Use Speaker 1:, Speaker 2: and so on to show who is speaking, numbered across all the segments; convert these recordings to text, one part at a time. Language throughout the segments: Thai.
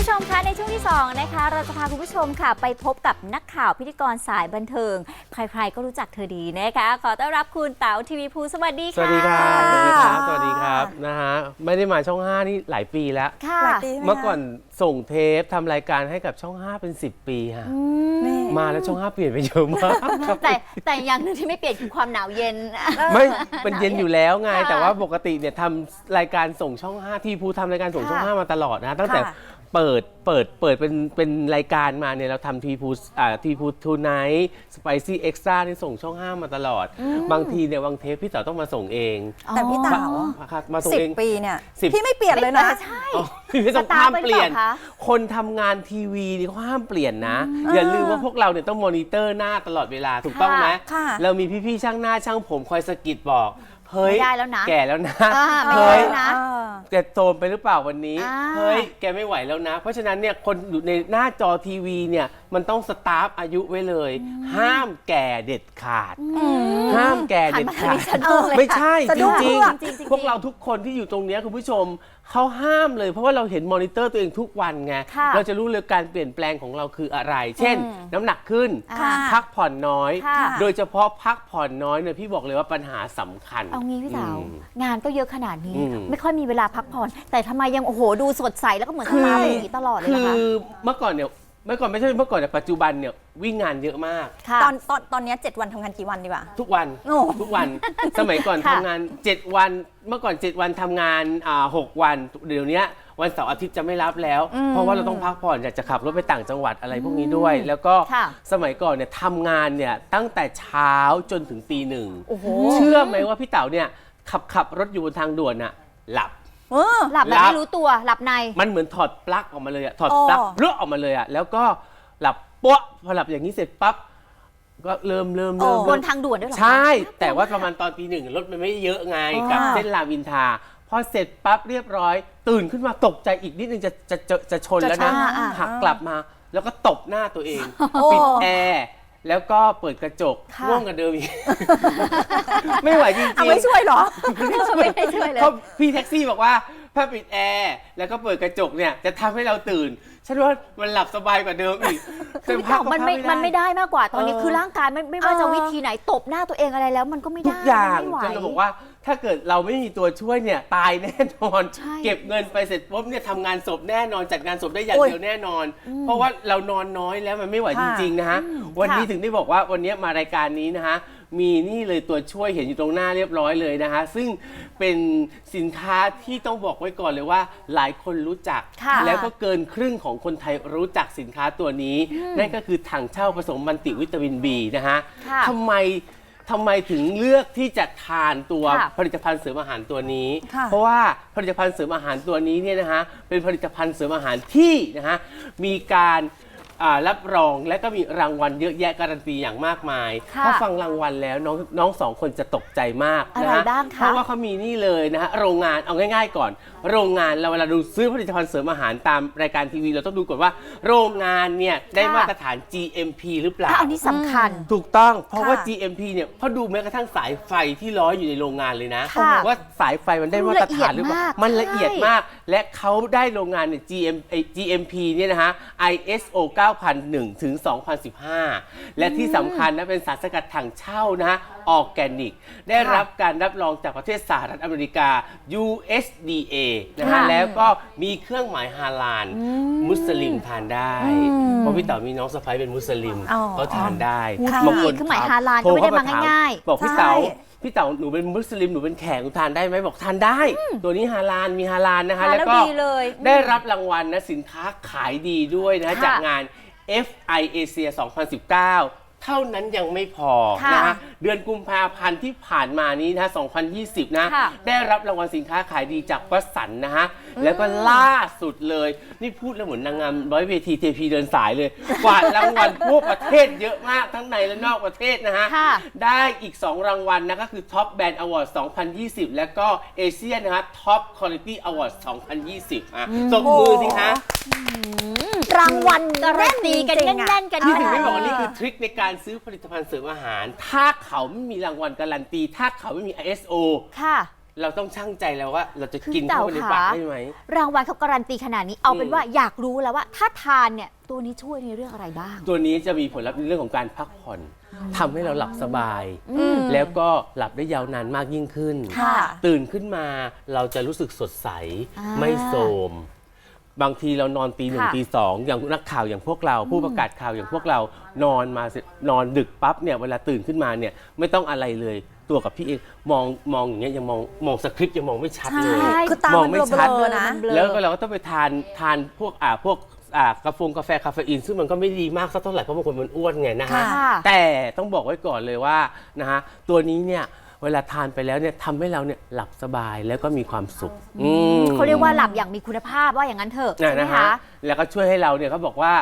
Speaker 1: ผู้ชมคะในช่วงที่2นะคะเราจะพาคุณผู้ชมค่ะไปพบกับนักข่าวพิธีกรสายบันเทิงใครๆก็รู้จักเธอดีนะคะขอต้อนรับคุณเต๋าทีวีภูสวัสดีค่ะ
Speaker 2: สวัสดีครับสวัสดีครับสวัสดีครับนะฮะไม่ได้มาช่อง 5นี่หลายปีแล้ว
Speaker 1: ค่ะ
Speaker 2: เมื่อก่อนส่งเทปทำรายการให้กับช่อง 5เป็น10 ปีค่ะมาแล้วช่อง 5เปลี่ยนไปเยอะมาก
Speaker 1: แต่อย่างหนึ่งที่ไม่เปลี่ยนคือความหนาวเย็น
Speaker 2: ไม่เป็นเย็นอยู่แล้วไงแต่ว่าปกติเนี่ยทำรายการส่งช่อง 5ทีภูทำรายการส่งช่อง 5มาตลอดนะตั้งแต่เปิดเป็นรายการมาเนี่ยเราทำทีพูทูไนท์สไปซี่เอ็กซ์ตร้าที่ส่งช่อง 5มาตลอดบางทีเนี่ยบางเทปพี่เต๋อต้องมาส่งเอง
Speaker 3: แต่พี่เต๋า
Speaker 2: มาส่งเอง
Speaker 3: 10 ปีเนี่ยพี่ไม่เปลี่ยนเลยนะ
Speaker 1: ใช่
Speaker 2: พี่ต้องห้ามเปลี่ยนคนทำงานทีวีนี่เขาห้ามเปลี่ยนนะอย่าลืมว่าพวกเราเนี่ยต้องมอนิเตอร์หน้าตลอดเวลาถูกต้องไหมเรามีพี่ๆช่างหน้าช่างผมคอยสะกิดบอกเฮ้ยแก่แล้วนะ
Speaker 1: เฮ้ย
Speaker 2: แกโตมไปหรือเปล่าวันนี้เฮ้ยแกไม่ไหวแล้วนะเพราะฉะนั้นเนี่ยคนอยู่ในหน้าจอทีวีเนี่ยมันต้องสตาร์ฟอายุไว้เลยห้ามแก่เด็ดขาดห้ามแก่เด็ดขาดไม่ใช่จริงๆพวกเราทุกคนที่อยู่ตรงนี้คุณผู้ชมเขาห้ามเลยเพราะว่าเราเห็นมอนิเตอร์ตัวเองทุกวันไงเราจะรู้เลยการเปลี่ยนแปลงของเราคืออะไรเช่นน้ำหนักขึ้นพักผ่อนน้อยโดยเฉพาะพักผ่อนน้อยเนี่ยพี่บอกเลยว่าปัญหาสำคัญ
Speaker 1: เอางี้พี่สาวงานก็เยอะขนาดนี้ไม่ค่อยมีเวลาพักผ่อนแต่ทำไมยังโอ้โหดูสดใสแล้วก็เหมือนสตาร์อย่างนี้ตลอดเลยนะคะ
Speaker 2: คือเมื่อก่อนไม่ใช่เมื่อก่อนแต่ปัจจุบันเนี่ยวิ่งงานเยอะมาก
Speaker 3: ตอนนี้7 วันทำงานกี่วันดีกว่า
Speaker 2: ทุกวันสมัยก่อนทำงาน7 วันเมื่อก่อน7 วันทำงาน6 วันเดี๋ยวนี้วันเสาร์อาทิตย์จะไม่รับแล้วเพราะว่าเราต้องพักผ่อนอยากจะขับรถไปต่างจังหวัดอะไรพวกนี้ด้วยแล้วก็สมัยก่อนเนี่ยทำงานเนี่ยตั้งแต่เช้าจนถึงตี 1เชื่อไหมว่าพี่เต๋าเนี่ยขับรถอยู่บนทางด่วนน่ะหลับ
Speaker 1: แบบไม่รู้ตัวหลับใน
Speaker 2: มันเหมือนถอดปลั๊กออกมาเลยอะถอดปลั๊กเลือกออกมาเลยอะแล้วก็หลับป๊ะพอหลับอย่างนี้เสร็จปั๊บก็เริ่ม
Speaker 1: บนทางด่วนด้วยหรอ
Speaker 2: ใช่แต่ว่าประมาณตอนตี 1รถมันไม่เยอะไงกับเส้นรามอินทราพอเสร็จปั๊บเรียบร้อยตื่นขึ้นมาตกใจอีกนิดนึงจะชนแล้วนะหักกลับมาแล้วก็ตบหน้าตัวเองปิดแอร์แล้วก็เปิดกระจกง่วงกันเดิมอีกไม่ไหวจริงๆ
Speaker 3: ไม่ช่วยหรอ
Speaker 1: ไม่ได้ช่วยเลย
Speaker 2: พี่แท็กซี่บอกว่าถ้าปิดแอร์แล้วก็เปิดกระจกเนี่ยจะทำให้เราตื่นฉันว่ามันหลับสบายกว่าเดิมอีก
Speaker 1: แต่มันไม่ได้มากกว่าตอนนี้คือร่างกายไม่ว่าจะวิธีไหนตบหน้าตัวเองอะไรแล้วมันก็ไม่ได้
Speaker 2: ทุกอย่างฉันจะบอกว่าถ้าเกิดเราไม่มีตัวช่วยเนี่ยตายแน่นอนเก็บเงินไปเสร็จปุ๊บเนี่ยทำงานศพแน่นอนจัดงานศพได้อย่างเดียวแน่นอนเพราะว่าเรานอนน้อยแล้วมันไม่ไหวจริงๆนะฮะวันนี้ถึงได้บอกว่าวันนี้มารายการนี้นะฮะมีนี่เลยตัวช่วยเห็นอยู่ตรงหน้าเรียบร้อยเลยนะฮะซึ่งเป็นสินค้าที่ต้องบอกไว้ก่อนเลยว่าหลายคนรู้จักแล้วก็เกินครึ่งของคนไทยรู้จักสินค้าตัวนี้นั่นก็คือถังเช่าผสมมัลติวิตามิน B นะฮะทำไมถึงเลือกที่จะทานตัวผลิตภัณฑ์เสริมอาหารตัวนี้เพราะว่าผลิตภัณฑ์เสริมอาหารตัวนี้เนี่ยนะฮะเป็นผลิตภัณฑ์เสริมอาหารที่นะฮะมีการรับรองและก็มีรางวัลเยอะแยะการันตีอย่างมากมายถ้าฟังรางวัลแล้วน้อง2 คนจะตกใจมากนะฮะเพราะว่าเขามีนี่เลยนะฮะโรงงานเอาง่ายๆก่อนโรงงานเราเวลาดูซื้อผลิตภัณฑ์เสริมอาหารตามรายการทีวีเราต้องดูก่อนว่าโรงงานเนี่ยได้มาตรฐาน GMP หรือเปล่า
Speaker 1: อันนี้สำคัญ
Speaker 2: ถูกต้องเพราะว่า GMP เนี่ยเขาดูแม้กระทั่งสายไฟที่ร้อยอยู่ในโรงงานเลยนะว่าสายไฟมันได้มาตรฐานหรือเปล่ามันละเอียดมากและเขาได้โรงงานเนี่ย GMP เนี่ยนะฮะ ISO 9001 ถึง 2015 และที่สำคัญนะเป็นสารสกัดถังเช่านะฮะออร์แกนิกได้รับการรับรองจากประเทศสหรัฐอเมริกา USDA นะฮะแล้วก็มีเครื่องหมายฮาลาลมุสลิมทานได้เพราะพี่เต๋อมีน้องสะใภ้เป็นมุสลิมเขาทานได้
Speaker 1: บางคนเครื่องหมายฮาลาลก็ไม่ได้มาง่าย
Speaker 2: ๆบอกพี่เต๋าหนูเป็นมุสลิมหนูเป็นแขกหนูทานได้ไหมบอกทานได้ตัวนี้ฮาลาลมีฮาลาลนะคะแล้วก็ได้รับรางวัลนะสินค้าขายดีด้วยนะจากงาน FI Asia 2019 เท่านั้นยังไม่พอนะฮะเดือนกุมภาพันธ์ที่ผ่านมานี้นะ2020นะได้รับรางวัลสินค้าขายดีจากวัสันนะฮะแล้วก็ล่าสุดเลยนี่พูดแล้วเหมือนนางงามร้อยเวทีเทพีเดินสายเลยกวาดรางวัลทั่วประเทศเยอะมากทั้งในและนอกประเทศนะฮะได้อีก2 รางวัลนะก็คือ Top Brand Award 2020 แล้วก็เอเชียนะฮะ Top Quality Award 2020ตบมือสิคะ
Speaker 3: รางวัล
Speaker 1: การันตีกันแน่นๆกัน
Speaker 2: ที่ถึงได้บอกว่านี่คือทริคในการซื้อผลิตภัณฑ์เสริมอาหารถ้าเขาไม่มีรางวัลการันตีถ้าเขาไม่มี ISO เราต้องชั่งใจแล้วว่าเราจะ
Speaker 1: คือ
Speaker 2: กินเข้าไปในปาก
Speaker 1: เต่าขา
Speaker 2: ได้ไหม
Speaker 1: รางวัลเขาการันตีขนาดนี้เอาเป็น
Speaker 2: อืม
Speaker 1: ว่าอยากรู้แล้วว่าถ้าทานเนี่ยตัวนี้ช่วยในเรื่องอะไรบ้าง
Speaker 2: ตัวนี้จะมีผลลัพธ์ในเรื่องของการพักผ่อนทำให้เราหลับสบาย
Speaker 1: อืม
Speaker 2: แล้วก็หลับได้ยาวนานมากยิ่งขึ้น
Speaker 3: ค่ะ
Speaker 2: ตื่นขึ้นมาเราจะรู้สึกสดใส
Speaker 1: อ่า
Speaker 2: ไม่โทรมบางทีเรานอนตีหนึ่ง
Speaker 1: ค่ะ
Speaker 2: ตีสองอย่างนักข่าวอย่างพวกเรา ผู้ประกาศข่าวอย่างพวกเรานอนมาเสร็จนอนดึกปั๊บเนี่ยเวลาตื่นขึ้นมาเนี่ยไม่ต้องอะไรเลยตัวกับพี่เองมองอย่างเงี้ยยังมองสคริปต์ยังมองไม่ชัดเลย
Speaker 1: ใช่
Speaker 3: คือตาม
Speaker 2: มอง
Speaker 3: มัน
Speaker 2: ไม่
Speaker 3: เบ
Speaker 2: ชัด
Speaker 3: ลอๆนะ
Speaker 1: มันเบลอ
Speaker 2: แล้วก็เราก็ต้องไปทานพวกกาแฟคาเฟอีนซึ่งมันก็ไม่ดีมากสักเท่าไหร่เพราะบางคนมันอ้วนไงนะฮะ
Speaker 1: ค่ะ
Speaker 2: แต่ต้องบอกไว้ก่อนเลยว่านะฮะตัวนี้เนี่ยเวลาทานไปแล้วเนี่ยทำให้เราเนี่ยหลับสบายแล้วก็มีความสุข
Speaker 1: เขาเรียกว่าหลับอย่างมีคุณภาพว่าอย่างนั้นเถอะใช่ไหม
Speaker 2: นะ
Speaker 1: คะ
Speaker 2: แล้วก็ช่วยให้เราเนี่ยเขาบอกว่า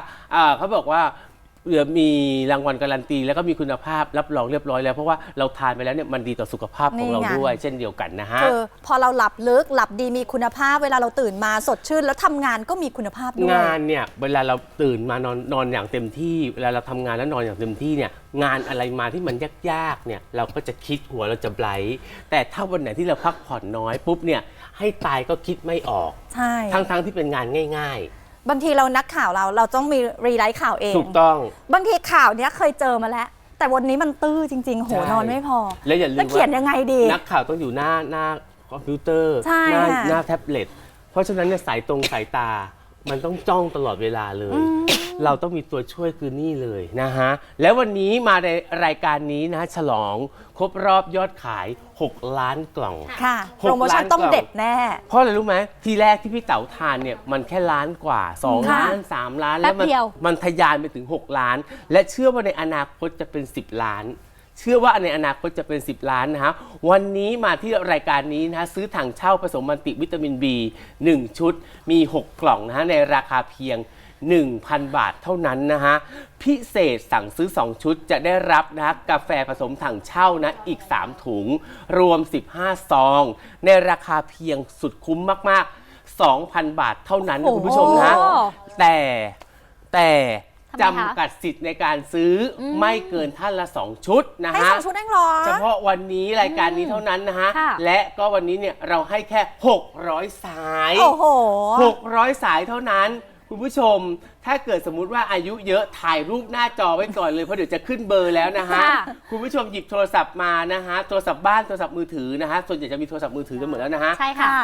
Speaker 2: มีรางวัลการันตีแล้วก็มีคุณภาพรับรองเรียบร้อยแล้วเพราะว่าเราทานไปแล้วเนี่ยมันดีต่อสุขภาพของเรา
Speaker 3: นี่ไง
Speaker 2: ด้วยเช่นเดียวกันนะฮะ
Speaker 3: คือพอเราหลับลึกหลับดีมีคุณภาพเวลาเราตื่นมาสดชื่น แล้วทำงานก็มีคุณภาพด้วย
Speaker 2: งานเนี่ยเวลาเราตื่นมานอนอย่างเต็มที่เวลาเราทำงานแล้วนอนอย่างเต็มที่เนี่ยงานอะไรมาที่มันยากๆเนี่ยเราก็จะคิดหัวเราจะไบรท์แต่ถ้าวันไหนที่เราพักผ่อนน้อยปุ๊บเนี่ยให้ตายก็คิดไม่ออก
Speaker 3: ใช่
Speaker 2: ทั้งที่เป็นงานง่าย
Speaker 3: บางทีเรานักข่าวเราต้องมีรีไลท์ข่าวเอง
Speaker 2: ๆ ถูกต้อง
Speaker 3: บางทีข่าวเนี้ยเคยเจอมาแล้ว แต่วันนี้มันตื้อจริง ๆ โห
Speaker 2: ใช่
Speaker 3: นอนไม่พอ
Speaker 2: และอย่าลืม
Speaker 3: แล้วเขียนยังไงดี
Speaker 2: นักข่าวต้องอยู่หน้าคอมพิวเตอร์
Speaker 3: ใช่
Speaker 2: หน้า
Speaker 3: ค่ะ
Speaker 2: หน้าแท็บเล็ตเพราะฉะนั้นเนี่ยสายตา มันต้องจ้องตลอดเวลาเลย เราต้องมีตัวช่วยคือนี่เลยนะฮะ แล้ววันนี้มาในรายการนี้นะฉลองครบรอบยอดขาย 6 ล้านกล่อง
Speaker 3: ค่ะ
Speaker 2: 6
Speaker 3: โปรโมชั่นต้อง
Speaker 2: ล้านกล่อง
Speaker 3: เด็ดแน่
Speaker 2: เพราะอะไรรู้ไหมทีแรกที่พี่เต๋าทานเนี่ยมันแค่ล้านกว่า 2
Speaker 3: ค่ะ
Speaker 2: ล้าน 3 ล้าน
Speaker 1: แป๊
Speaker 2: แล้ว
Speaker 1: บเดียว
Speaker 2: มันทะยานไปถึง 6 ล้าน และเชื่อว่าในอนาคตจะเป็น 10 ล้าน เชื่อว่าในอนาคตจะเป็น 10 ล้านนะฮะวันนี้มาที่รายการนี้นะฮะซื้อถังเช่าผสมมัลติวิตามิน B 1 ชุดมี 6 กล่องนะฮะในราคาเพียง 1,000 บาทเท่านั้นนะฮะพิเศษสั่งซื้อ 2 ชุดจะได้รับนะฮะกาแฟผสมถังเช่านะอีก 3 ถุง รวม 15 ซอง ในราคาเพียงสุดคุ้มมากๆ 2,000 บาทเท่านั้นนะคุณผู้ชมนะ
Speaker 1: โอ้
Speaker 2: แต่
Speaker 1: ทำไมคะ
Speaker 2: จำกัดสิทธิ์ในการซื้ออไม่เกินท่านละ 2 ชุดนะ
Speaker 3: ให้
Speaker 2: ฮะ
Speaker 3: 2 ชุดเองเหรอ
Speaker 2: เฉพาะวันนี้รายการนี้เท่านั้นนะฮะ
Speaker 1: ค่ะ
Speaker 2: และก็วันนี้เนี่ยเราให้แค่ 600 สาย
Speaker 3: โอ้โห
Speaker 2: 600 สายเท่านั้น คุณผู้ชม ถ้าเกิดสมมุติว่าอายุเยอะถ่ายรูปหน้าจอไว้ก่อนเลย เพราะเดี๋ยวจะขึ้นเบอร์แล้วนะฮะ
Speaker 1: ค่ะ
Speaker 2: คุณผู้ชมหยิบโทรศัพท์มานะฮะ โทรศัพท์บ้านโทรศัพท์มือถือนะฮะ ส่วนใหญ่จะมีโทรศัพท์มือถือกันหมดแล้วนะฮะ
Speaker 1: ใช่ค่ะ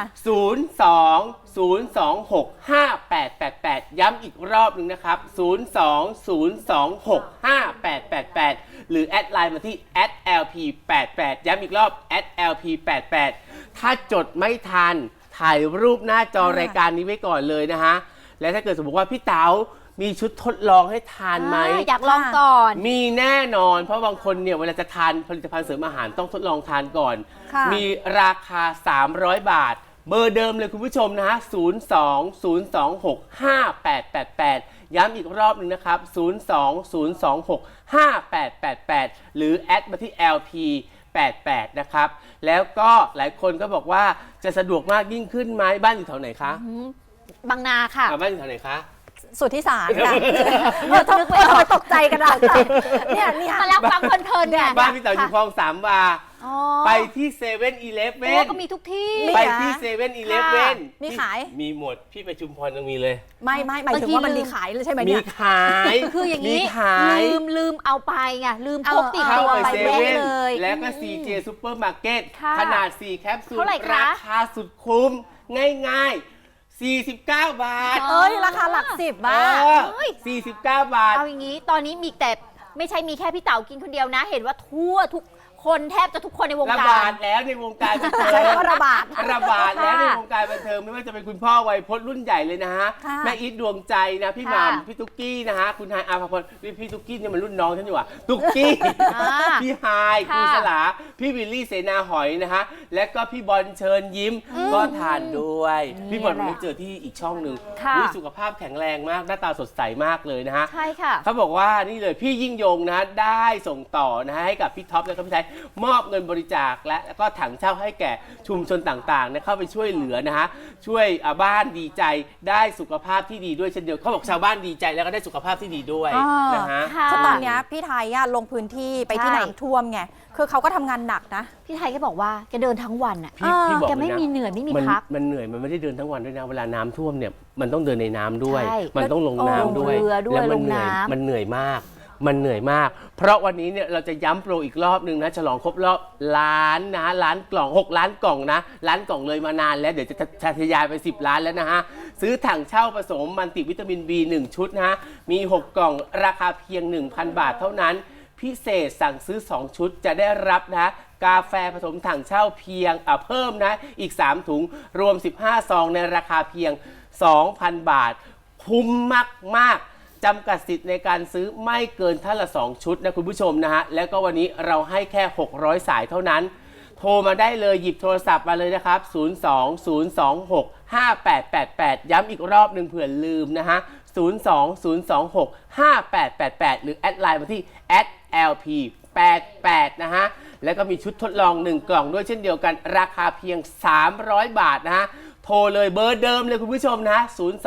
Speaker 2: 02-026-5888 ย้ำอีกรอบหนึ่งนะครับ 02-026-5888 หรือแอดไลน์มาที่ @lp88 ย้ำอีกรอบ @lp88 ถ้าจดไม่ทันถ่ายรูปหน้าจอรายการนี้ไว้ก่อนเลยนะฮะ และถ้าเกิดสมมติว่าพี่เต๋ามีชุดทดลองให้ทานไหม
Speaker 1: อยากลองก่อน
Speaker 2: มีแน่นอน เพราะบางคนเนี่ยเวลาจะทานผลิตภัณฑ์เสริมอาหารต้องทดลองทานก่อน
Speaker 3: ค่ะ
Speaker 2: มีราคา 300 บาท เบอร์เดิมเลยคุณผู้ชมนะฮะ 02-026-5888 ย้ำอีกรอบหนึ่งนะครับ 02-026-5888 หรือแอดมาที่ LP88 นะครับ แล้วก็หลายคนก็บอกว่าจะสะดวกมากยิ่งขึ้นไหมบ้านอยู่แถวไหนคะ
Speaker 1: บางนาค่ะ
Speaker 2: บ้านอยู่แถวไหนคะ
Speaker 3: สุดที่สารค่ะนึกไม่ออกตกใจกันอะเนี่ย
Speaker 1: มาแล้วฟังเพลินๆเนี่ย
Speaker 2: บ้านพี่เต๋าอยู่คลองสามวา
Speaker 1: อ๋อ
Speaker 2: ไปที่เซเว่นอีเลฟ
Speaker 1: โอ้
Speaker 2: เว่น
Speaker 1: ก็มีทุกที่
Speaker 2: ไปที่เซเว่นอีเลฟเว่น
Speaker 3: มีขาย
Speaker 2: มีหมด พี่ไปชุมพรยังมีเลย
Speaker 3: ไม่หมายถึงว่ามันมีขายเลยใช่ไหม
Speaker 2: มี
Speaker 3: เนี่ย
Speaker 2: ขาย
Speaker 1: คืออย่าง
Speaker 2: นี้
Speaker 1: นี้
Speaker 2: ขาย
Speaker 1: ลืมเอาไปไงลืมพกติด
Speaker 2: เข้า
Speaker 1: ตัว
Speaker 2: ไป
Speaker 1: ไป
Speaker 2: เซ
Speaker 1: แวะ
Speaker 2: เว่น
Speaker 1: เลย
Speaker 2: แล้วก็ CJ Supermarket
Speaker 1: ค่ะ
Speaker 2: ขนาด 4 แคปซูล
Speaker 1: เท่าไหร่คะ
Speaker 2: ราคาสุดคุ้ม ง่ายๆ 49 บาท
Speaker 3: เอ้ยราคาหลัก10บาท
Speaker 2: 49 บาท
Speaker 1: เอาอย่างนี้ตอนนี้มีแต่ไม่ใช่มีแค่พี่เต๋ากินคนเดียวนะ เห็นว่าทั่วทุกคนแทบจะทุกคนในวง
Speaker 2: ระ
Speaker 1: กา
Speaker 2: บาร ดแล้วในวงการบันเทิง
Speaker 3: ใช้คำว่าระบาด
Speaker 2: ระบาดแล้ว
Speaker 1: ค่ะ
Speaker 2: ในวงการบันเทิงไม่ว่าจะเป็นคุณพ่อวัยพจน์รุ่นใหญ่เลยนะฮะ
Speaker 3: ค่ะ
Speaker 2: แม่อีทดวงใจนะพี่ห
Speaker 1: ค่ะ
Speaker 2: ม่ำพี่ตุ๊กกี้นะฮะคุณไฮายอาภพรพี่ตุ๊กกี้เนี่ยมันรุ่นน้องฉันอยู่อ่ะตุ๊กกี้
Speaker 1: อ่า
Speaker 2: พี่ไฮาย
Speaker 1: ค่ะ
Speaker 2: คุณสลาพี่วิลลี่เสนาหอยนะฮะและก็พี่บอลเชิญยิ้มก็ทานด้วย
Speaker 1: นี่
Speaker 2: พี่บอล
Speaker 1: แหละ
Speaker 2: ไปเจอที่อีกช่องหนึ่ง
Speaker 1: ค่ะ
Speaker 2: อุ๊ยสุขภาพแข็งแรงมากหน้าตาสดใสมากเลยนะฮะ
Speaker 1: ใช่ค่ะ
Speaker 2: เขาบอกว่านี่เลยพี่ยิ่งยงนะฮะได้ส่งต่อนะฮะให้กับพี่ท็อปและก็พี่ไทยมอบเงินบริจาคและก็ถังเช่าให้แก่ชุมชนต่างๆนะเข้าไปช่วยเหลือนะฮะช่วยบ้านดีใจได้สุขภาพที่ดีด้วยเช่นเดียวเขาบอกชาวบ้านดีใจแล้วก็ได้สุขภาพที่ดีด้วยนะฮะ
Speaker 1: ค่ะ
Speaker 3: คือตอนเนี้ยพี่ไทยอะลงพื้นที่ไปที่
Speaker 1: ใช่
Speaker 3: น้ำท่วมไงคือเขาก็ทำงานหนักนะ
Speaker 1: พี่ไทยก็บอกว่าแกเดินทั้งวันอ่ะ
Speaker 2: พี่บอก
Speaker 1: แก
Speaker 2: เลย
Speaker 1: ไม่
Speaker 2: นะ
Speaker 1: มีเหนื่อยไม่มี
Speaker 2: มัน
Speaker 1: พัก
Speaker 2: มันเหนื่อยมันไม่ได้เดินทั้งวันด้วยนะเวลาน้ำท่วมเนี่ยมันต้องเดินในน้ำด้วย
Speaker 1: ใช่
Speaker 2: มันต้องลงน้ำด้วย
Speaker 1: ลงเรือด้วย
Speaker 2: แล้วมั
Speaker 1: ลง
Speaker 2: เหนื่อย
Speaker 1: น้ำ
Speaker 2: มันเหนื่อยมาก มันเหนื่อยมาก เพราะวันนี้เนี่ยเราจะย้ำโปรอีกรอบนึงนะฉลองครบรอบล้านนะล้านกล่อง6 ล้านกล่องนะล้านกล่องเลยมานานแล้วเดี๋ยวจะทะยายไป10 ล้านแล้วนะฮะซื้อถังเช่าผสมมันติวิตามิน B 1 ชุดนะฮะมี6 กล่องราคาเพียง 1,000 บาทเท่านั้นพิเศษสั่งซื้อ2 ชุดจะได้รับนะกาแฟผสมถังเช่าเพียงเพิ่มนะอีก3 ถุงรวม15 ซองในราคาเพียง 2,000 บาทคุ้มมากจำกัดสิทธิ์ในการซื้อไม่เกินท่านละ2 ชุดนะคุณผู้ชมนะฮะแล้วก็วันนี้เราให้แค่600 สายเท่านั้นโทรมาได้เลยหยิบโทรศัพท์มาเลยนะครับ 020265888 ย้ำอีกรอบหนึ่งเผื่อลืมนะฮะ 020265888 หรือแอดไลน์มาที่ @lp88 นะฮะแล้วก็มีชุดทดลอง1 กล่องด้วยเช่นเดียวกันราคาเพียง300 บาทนะฮะโทรเลยเบอร์เดิมเลยคุณผู้ชมนะ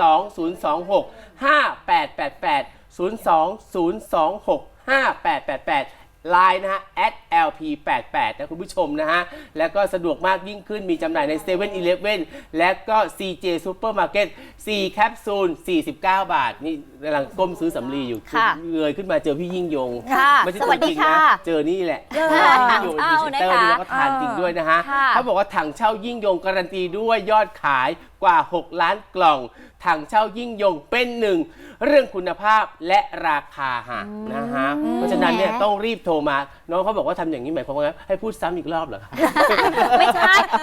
Speaker 2: 020265888 ไลน์นะฮะ @lp88 นะคุณผู้ชมนะฮะแล้วก็สะดวกมากยิ่งขึ้นมีจำหน่ายใน 7-Eleven และก็ CJ Supermarket 4 แคปซูล 49 บาทนี่กำลังก้มซื้อสำลีอยู่
Speaker 1: ค่ะ
Speaker 2: เงยขึ้นมาเจอพี่ยิ่งยง
Speaker 1: ค่ะ
Speaker 2: ไม่ใช่
Speaker 1: ส
Speaker 2: ตั
Speaker 1: วั
Speaker 2: ว
Speaker 1: ส
Speaker 2: จ
Speaker 1: ดี
Speaker 2: ริง
Speaker 1: ค่ะ
Speaker 2: นะเจอนี่แหละ
Speaker 1: ถัง
Speaker 2: อยู่
Speaker 1: เช่า
Speaker 2: ดีเซนเตอร์
Speaker 1: นะคะ
Speaker 2: นี่แล้วก็ทานจริงด้วยนะฮะ
Speaker 1: ค่ะ
Speaker 2: เขาบอกว่าถังเช่ายิ่งยงการันตีด้วยยอดขายกว่า 6 ล้านกล่องถังเช่ายิ่งยงเป็นหนึ่งเรื่องคุณภาพและราคาฮะนะฮะเพราะฉะนั้นเนี่ยต้องรีบโทรมาน้องเขาบอกว่าทำอย่างนี้หมายความว่าไงให้พูดซ้ำอีกรอบเหรอคะ
Speaker 1: ไม่ใช่